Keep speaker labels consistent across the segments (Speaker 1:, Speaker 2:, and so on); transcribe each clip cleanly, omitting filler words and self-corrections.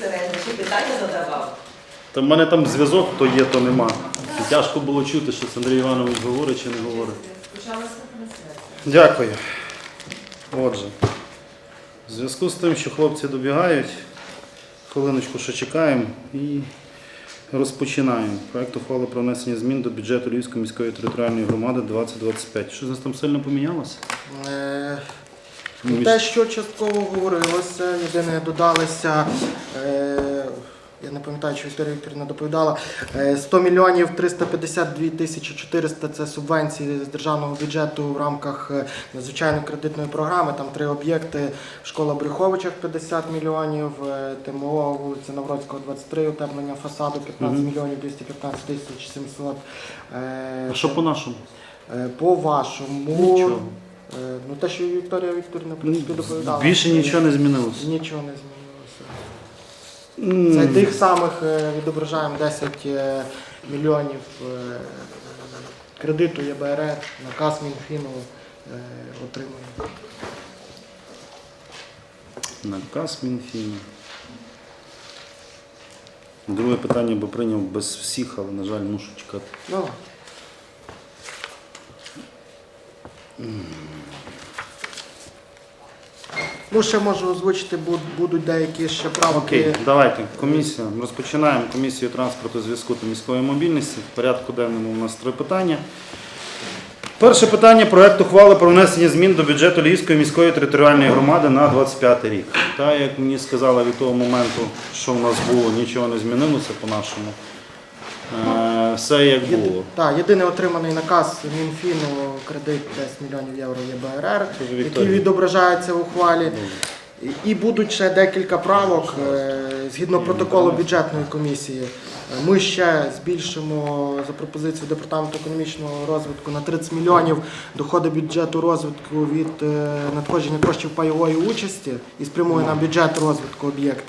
Speaker 1: безпосередньо, чи питання задавав?
Speaker 2: Та в мене там зв'язок, то є, то нема. І тяжко було чути, що це Андрій Іванович говорить чи не говорить. Дякую. Отже, в зв'язку з тим, що хлопці добігають, хвилиночку ще чекаємо і розпочинаємо. Проект ухвали про внесення змін до бюджету Львівської міської територіальної громади 2025. Що з нас там сильно помінялося?
Speaker 3: Те, що частково говорилося, єдине додалося, я не пам'ятаю, чи Вікторія Вікторівна доповідала, 100 мільйонів 352 тисячі 400 – це субвенції з державного бюджету в рамках надзвичайної кредитної програми. Там 3 об'єкти: школа Брюховичах 50 мільйонів, ТМО вулиця Навроцького 23, утеплення фасаду 15 мільйонів 215 тисяч 700.
Speaker 2: А що по-нашому?
Speaker 3: По-вашому?
Speaker 2: Нічого.
Speaker 3: Ну, те, що Вікторія Вікторівна, в принципі, доповідала.
Speaker 2: Більше нічого не змінилося.
Speaker 3: Нічого не змінилося. Це тих самих відображаємо 10 мільйонів кредиту ЄБРР, наказ Мінфіну отримуємо.
Speaker 2: Наказ Мінфіну. Друге питання би прийняв без всіх, але, на жаль, мушу чекати.
Speaker 3: Ну. Ну, ще можу озвучити, будуть деякі ще правки.
Speaker 2: Окей, давайте. Комісія. Розпочинаємо комісію транспорту, зв'язку та міської мобільності. В порядку денному у нас 3 питання. Перше питання – проект ухвали про внесення змін до бюджету Львівської міської територіальної громади на 2025 рік. Так, як мені сказали від того моменту, що в нас було, нічого не змінилося по-нашому. Все як було.
Speaker 3: Так, єдиний отриманий наказ Мінфіну, кредит 10 мільйонів євро ЄБРР, який відображається в ухвалі. І будуть ще декілька правок згідно протоколу бюджетної комісії. Ми ще збільшимо за пропозицією Департаменту економічного розвитку на 30 мільйонів доходи бюджету розвитку від надходження коштів пайової участі і спрямуємо на бюджет розвитку об'єкти.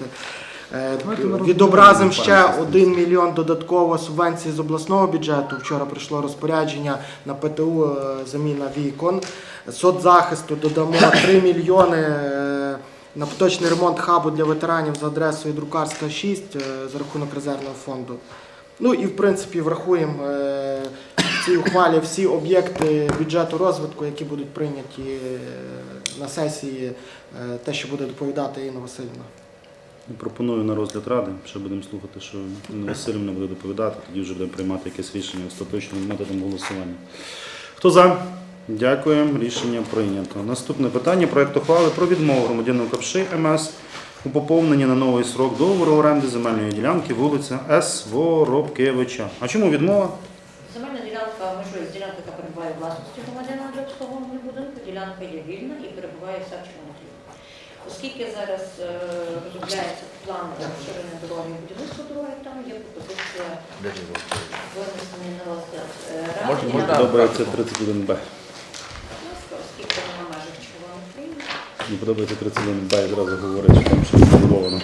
Speaker 3: Відобразимо ще 1 мільйон додатково субвенції з обласного бюджету. Вчора прийшло розпорядження на ПТУ, заміна вікон. Соцзахисту додамо 3 мільйони на поточний ремонт хабу для ветеранів за адресою Друкарська, 6 за рахунок резервного фонду. Ну і в принципі врахуємо в цій ухвалі всі об'єкти бюджету розвитку, які будуть прийняті на сесії, те, що буде доповідати Інна Васильівна.
Speaker 2: Пропоную на розгляд ради, ще будемо слухати, що Інна Васильівна буде доповідати, тоді вже будемо приймати якесь рішення остаточним методом голосування. Хто за? Дякуємо. Рішення прийнято. Наступне питання – проект ухвали про відмову громадянину Капши МС у поповненні на новий срок договору оренди земельної ділянки вулиця С. Воробкевича. А чому відмова?
Speaker 4: Земельна ділянка межує з ділянкою, яка перебуває у власності громадянина для обслуговування будинку. Ділянка є вільна і перебуває вся в Червоногрі. Оскільки зараз розробляється план розширення дороги і будівництва дороги, там є пропозиція винесення на розгляд ради.
Speaker 2: Подобається 31Б.
Speaker 4: Оскільки вона в межах Червоної України.
Speaker 2: Мені подобається 31Б, я зразу говорить, що там щось забудовано.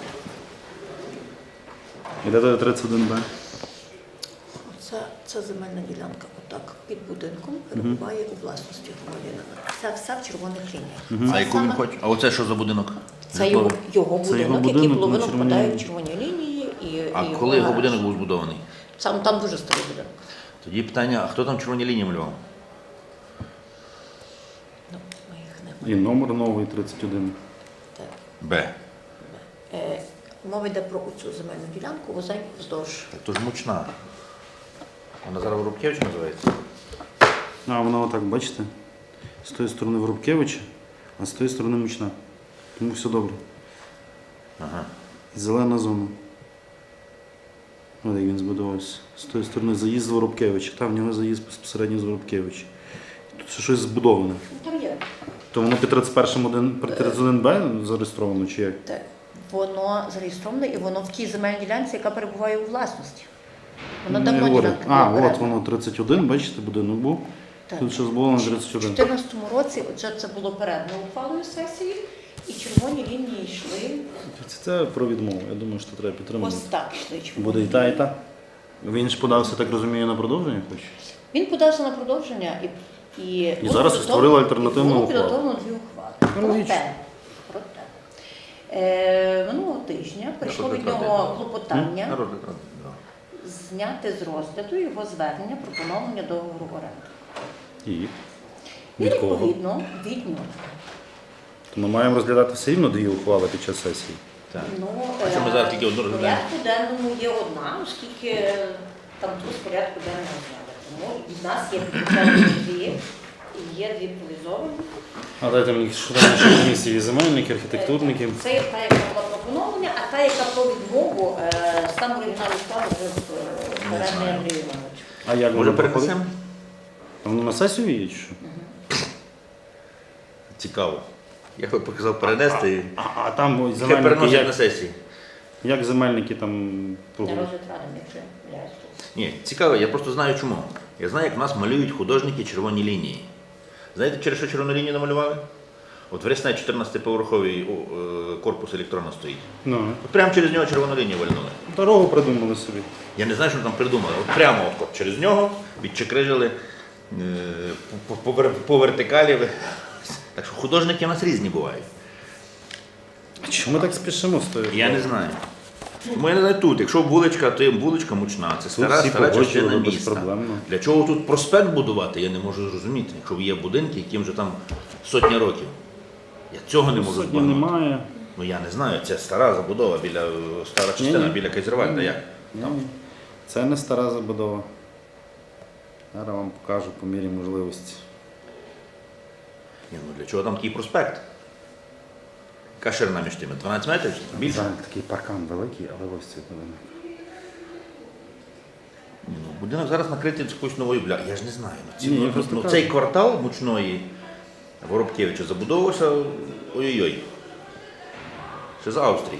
Speaker 2: Іде до 31Б?
Speaker 5: Це земельна ділянка, отак, під будинком, перебуває у власності громадянина. Це все в червоних лініях.
Speaker 6: А яку він хоче? А оце що за будинок?
Speaker 5: Це його будинок, який половину
Speaker 2: червоній
Speaker 5: впадає
Speaker 2: лінії.
Speaker 5: в червоні лінії.
Speaker 6: А коли його будинок був збудований?
Speaker 5: Там дуже старий будинок.
Speaker 6: Тоді питання, а хто там червоні лінії малював?
Speaker 5: Ну, ми їх не
Speaker 2: І номер новий 31.
Speaker 5: так.
Speaker 6: Б.
Speaker 5: Мова йде про цю земельну ділянку, вузень вздовж.
Speaker 6: Так то ж мучна. Вона зараз Воробкевича називається?
Speaker 2: А, вона отак, бачите? З тої сторони Воробкевича, а з тої сторони Мучна. Тому все добре.
Speaker 6: Ага.
Speaker 2: І зелена зона. Ось як він збудувався. З тої сторони заїзд з Воробкевича. Там в нього заїзд безпосередньо з Воробкевича. Тут ще щось збудоване.
Speaker 5: Там є.
Speaker 2: То воно під 31Б зареєстровано чи як?
Speaker 5: Так. Воно зареєстроване і воно в тій земельній ділянці, яка перебуває у власності. Воно
Speaker 2: Не
Speaker 5: давно
Speaker 2: говорю.
Speaker 5: ділянка
Speaker 2: А,
Speaker 5: була
Speaker 2: от воно 31, бачите, будинок був.
Speaker 5: Так.
Speaker 2: Тут ще збудовано
Speaker 5: У
Speaker 2: 31.
Speaker 5: 2014 році отже, це було передано ухвалою сесії, і червоні лінії йшли.
Speaker 2: Це про відмову. Я думаю, що треба підтримати.
Speaker 5: Ось так йшли червоні.
Speaker 2: Буде і та, і та. Він ж подався, так розумію, на продовження хоче?
Speaker 5: Він подався на продовження і
Speaker 2: зараз створили альтернативну
Speaker 5: було
Speaker 2: ухвалу.
Speaker 5: підготовлено 2 ухвали.
Speaker 2: Логічно.
Speaker 5: Проте
Speaker 4: Минулого тижня прийшло від
Speaker 6: розгляд
Speaker 4: нього
Speaker 6: ради.
Speaker 4: клопотання
Speaker 6: На розгляд ради, да.
Speaker 4: зняти з розгляду його звернення про поновлення договору оренди.
Speaker 2: І
Speaker 4: І
Speaker 2: від кого?
Speaker 4: відповідно від нього.
Speaker 2: То ми маємо розглядати все рівно дві ухвали під час сесії.
Speaker 6: Так.
Speaker 4: Ну,
Speaker 6: А що ми зараз тільки одну
Speaker 4: в
Speaker 6: розглядаємо?
Speaker 4: порядку денному є одна, оскільки там тут в порядку денного зняли. Тому від нас є підключені дві, і є дві провізовані.
Speaker 2: А дайте мені, що там наші комісії, земельники, архітектурники.
Speaker 4: Це є та, яка була про поновлення, а та, яка про відмову, сам оригінал склали вже в оренди Андрію Івановичу.
Speaker 2: А як
Speaker 6: Може
Speaker 2: воно проходить?
Speaker 6: перенесемо?
Speaker 2: А воно на сесію є чи що?
Speaker 6: Цікаво. Я би показав перенести і
Speaker 2: А там ой,
Speaker 6: хай
Speaker 2: земельники,
Speaker 6: переносять на
Speaker 2: як,
Speaker 6: сесії.
Speaker 2: як земельники там
Speaker 4: На
Speaker 2: проголосують?
Speaker 4: розгляд ради, якщо я не помиляюсь.
Speaker 6: Ні, цікаво, я просто знаю чому. Я знаю, як в нас малюють художники червоні лінії. Знаєте, через що червону лінію намалювали? От в Рясне 14-поверховий корпус електронно стоїть.
Speaker 2: Ну,
Speaker 6: От прямо через нього червону лінію вальнули.
Speaker 2: дорогу придумали собі.
Speaker 6: Я не знаю, що там придумали. От прямо от через нього відчекрижили по вертикалі. Так що художники у нас різні бувають.
Speaker 2: А чому ми так спішимо з тою?
Speaker 6: Я не знаю. Тому я не знаю тут. Якщо вуличка, то є вуличка мучна. Це стара
Speaker 2: всі
Speaker 6: частина
Speaker 2: погоджували
Speaker 6: міста.
Speaker 2: безпроблемно.
Speaker 6: Для чого тут проспект будувати, я не можу зрозуміти. Якщо є будинки, яким вже там сотні років. Я цього не можу
Speaker 2: Сьогодні
Speaker 6: збагнути.
Speaker 2: немає.
Speaker 6: Ну я не знаю, це стара забудова, стара частина
Speaker 2: Ні-ні.
Speaker 6: біля Кайзервальда. Як?
Speaker 2: Ні, це не стара забудова. Зараз вам покажу по мірі можливості.
Speaker 6: Ні, ну для чого там такий проспект? Яка ширина між тими? 12 метрів? Більше?
Speaker 2: Там такий паркан великий, але ось цей будинок.
Speaker 6: Ні, ну, будинок зараз накритий якоюсь новою бляхою. Я ж не знаю.
Speaker 2: Ні, я просто кажу.
Speaker 6: Цей квартал мучної Воробкевича забудовувався ой-ой-ой. Ще з Австрії.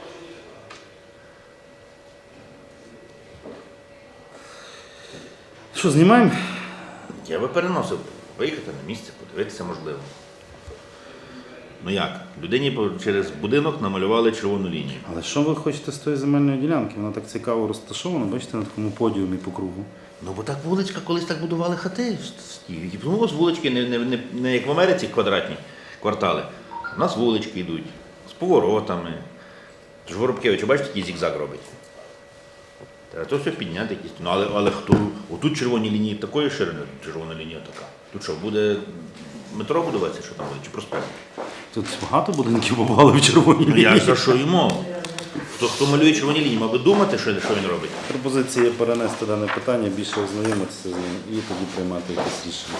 Speaker 2: Що, знімаємо?
Speaker 6: Я би переносив, виїхати на місце, подивитися можливо. Ну як? Людині через будинок намалювали червону лінію.
Speaker 2: Але що ви хочете з тої земельної ділянки? Вона так цікаво розташована, бачите, на такому подіумі по кругу.
Speaker 6: Ну бо так вуличка, колись так будували хати. І тому з вулички не як в Америці квадратні квартали. У нас вулички йдуть з поворотами. Тож Воробкевич, бачите, який зігзаг робить. Треба то все підняти якісь. Ну, але хто? Отут червоні лінії такої ширини, червона лінія така. Тут що, буде метро будуватися, що там буде, чи проспект?
Speaker 2: Тут багато будинків побували в червоній
Speaker 6: Ну я
Speaker 2: лінії.
Speaker 6: ж за що й мова? Хто малює червоні лінії, мав би думати, що він робить.
Speaker 2: Пропозиція перенести дане питання, більше ознайомитися з ним і тоді приймати якесь рішення.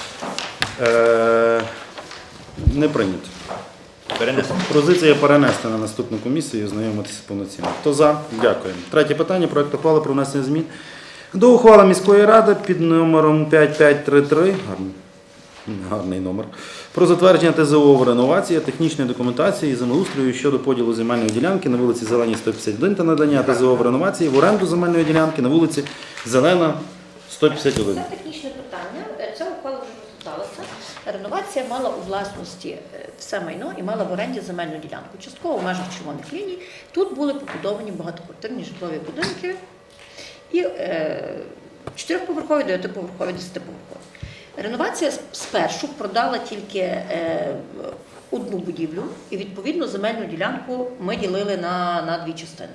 Speaker 2: Не прийнято.
Speaker 6: Перенесемо.
Speaker 2: Пропозиція перенести на наступну комісію і ознайомитися повноцінно. Хто за? Дякую. Третє питання. Проект ухвали про внесення змін до ухвали міської ради під номером 5533. Гарний номер. Про затвердження ТЗО реновації, технічної документації і землеустрою щодо поділу земельної ділянки на вулиці Зеленій 151 та надання ТЗО реновації в оренду земельної ділянки на вулиці Зелена 151.
Speaker 4: Це технічне питання. Ця ухвала вже розглядалася. Реновація мала у власності все майно і мала в оренді земельну ділянку. Частково в межах червоних ліній. Тут були побудовані багатоквартирні житлові будинки і 4-поверхові, 9-поверхові, 10-поверхові. Реновація спершу продала тільки одну будівлю і, відповідно, земельну ділянку ми ділили на дві частини.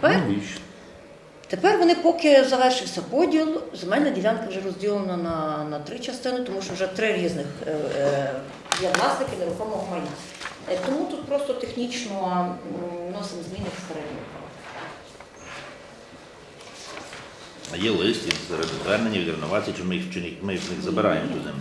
Speaker 4: Тепер вони, поки завершився поділ, земельна ділянка вже розділена на три частини, тому що вже три різних є власники нерухомого майна. Тому тут просто технічно вносимо зміни в середню.
Speaker 6: А є лист із звернення від реновації, чи ми їх забираємо ту землю.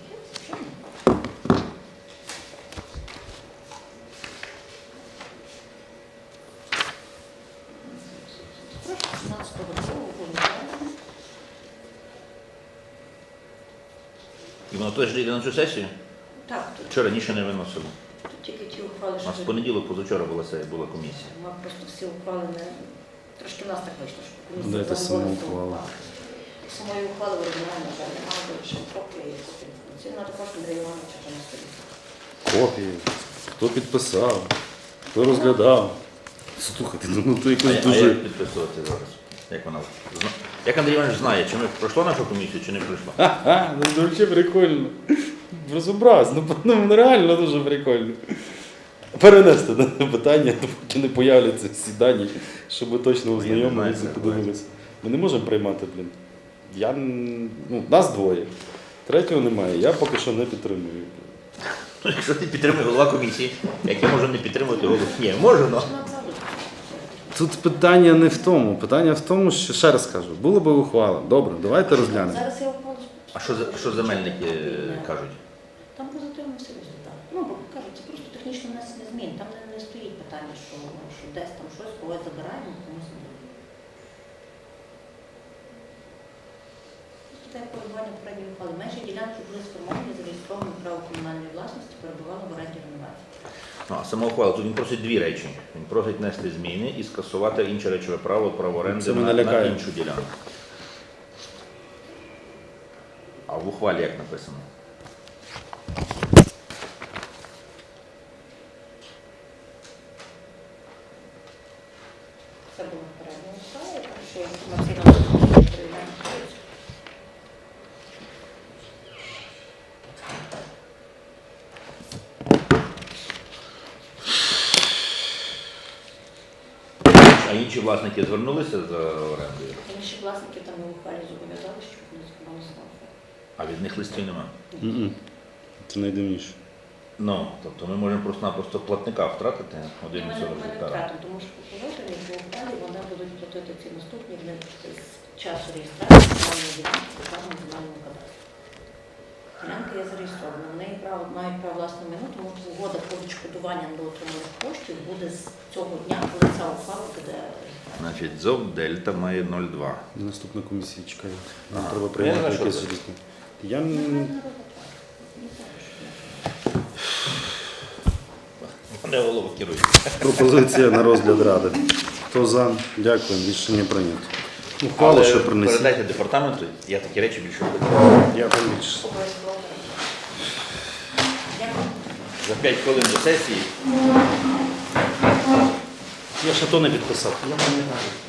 Speaker 6: І воно теж йде на цю сесію?
Speaker 4: Так, тут
Speaker 6: Вчора раніше не виносило.
Speaker 4: тільки ті ухвали,
Speaker 6: У
Speaker 4: що
Speaker 6: нас в понеділок, позавчора була комісія.
Speaker 4: ми просто всі ухвали не... Трошки в нас так вийшло, що комісія
Speaker 2: Дайте
Speaker 4: заговорила
Speaker 2: саму
Speaker 4: всю
Speaker 2: ухвалу.
Speaker 4: Самої ухвали в оригіналі, на жаль, немає, бо лише копія і копія. Вона також Андрія Івановича вже на столі.
Speaker 2: Копії. Хто підписав, хто розглядав. Слухайте, ну то якось
Speaker 6: А
Speaker 2: дуже...
Speaker 6: як підписувати зараз? Як вона? Як Андрій Іванович знає, чи ми пройшло нашу комісію, чи не пройшло?
Speaker 2: Ха-ха, ну взагалі прикольно. Безобразно, ну реально дуже прикольно. Перенести дане питання, поки не появляться всі дані, щоб ми точно ознайомилися і
Speaker 6: знаю,
Speaker 2: подивилися. Ми не можемо приймати, блін. Нас двоє. Третього немає. Я поки що не підтримую.
Speaker 6: Ну, якщо ти підтримує голова комісії, як я можу не підтримувати голову? Ні, можу, але.
Speaker 2: Тут питання не в тому. Питання в тому, що, ще раз кажу, було би ухвала. Добре, давайте розглянемо.
Speaker 4: Зараз я ухвалу.
Speaker 6: А що земельники кажуть?
Speaker 4: Там позитивно все результат. Ну, бо кажуть, це просто технічне внесення змін. Там не стоїть питання, що десь там щось когось забираємо, комусь не даємо. Просто те перебування попередньої ухвали. Межі ділянки були сформовані, зареєстровані право комунальної власності, перебували в оренді реновації.
Speaker 6: Ну, а сама ухвала, тут він просить дві речі. Він просить внести зміни і скасувати інше речове право оренди
Speaker 2: Це мене
Speaker 6: на
Speaker 2: лякає.
Speaker 6: іншу ділянку. А в ухвалі як написано?
Speaker 4: Це було попередня ухвала, так що інформаційно перевіряємо.
Speaker 6: А інші власники звернулися за орендою,
Speaker 4: Інші власники там у ухвалі зобов'язали, щоб вони звернулися на офер.
Speaker 6: а від них листів немає.
Speaker 2: М-м. Це найдивніше.
Speaker 6: Ну, тобто ми можемо просто-напросто платника втратити
Speaker 4: Ми
Speaker 6: 1,40
Speaker 4: не
Speaker 6: гектара.
Speaker 4: втратимо, тому що по положенню по ухвалі вони будуть платити ці наступні з часу реєстрації земельної ділянки в державному земельному кадастрі. Ділянка є зареєстрована. Вони мають право власне майно, тому що угода про відшкодування недоотриманих коштів буде з цього дня, коли ця ухвала буде.
Speaker 6: Значить, ЗОВ Дельта має 0,2.
Speaker 2: Наступна комісія чекає. Нам
Speaker 6: А,
Speaker 2: треба
Speaker 6: я
Speaker 2: приймати
Speaker 6: знаю, що
Speaker 2: якесь
Speaker 6: це.
Speaker 2: рішення. Я
Speaker 6: Вони голову керують.
Speaker 2: пропозиція на розгляд ради. Хто за? Дякую. Рішення прийнято. Ухвалу,
Speaker 6: Але
Speaker 2: що принесіть.
Speaker 6: передайте департаменту, я такі речі більше не буду.
Speaker 2: Я там більше.
Speaker 4: Обов'язково. Дякую.
Speaker 6: За 5 хвилин до сесії.
Speaker 2: Я ще то не підписав.
Speaker 3: Я пам'ятаю.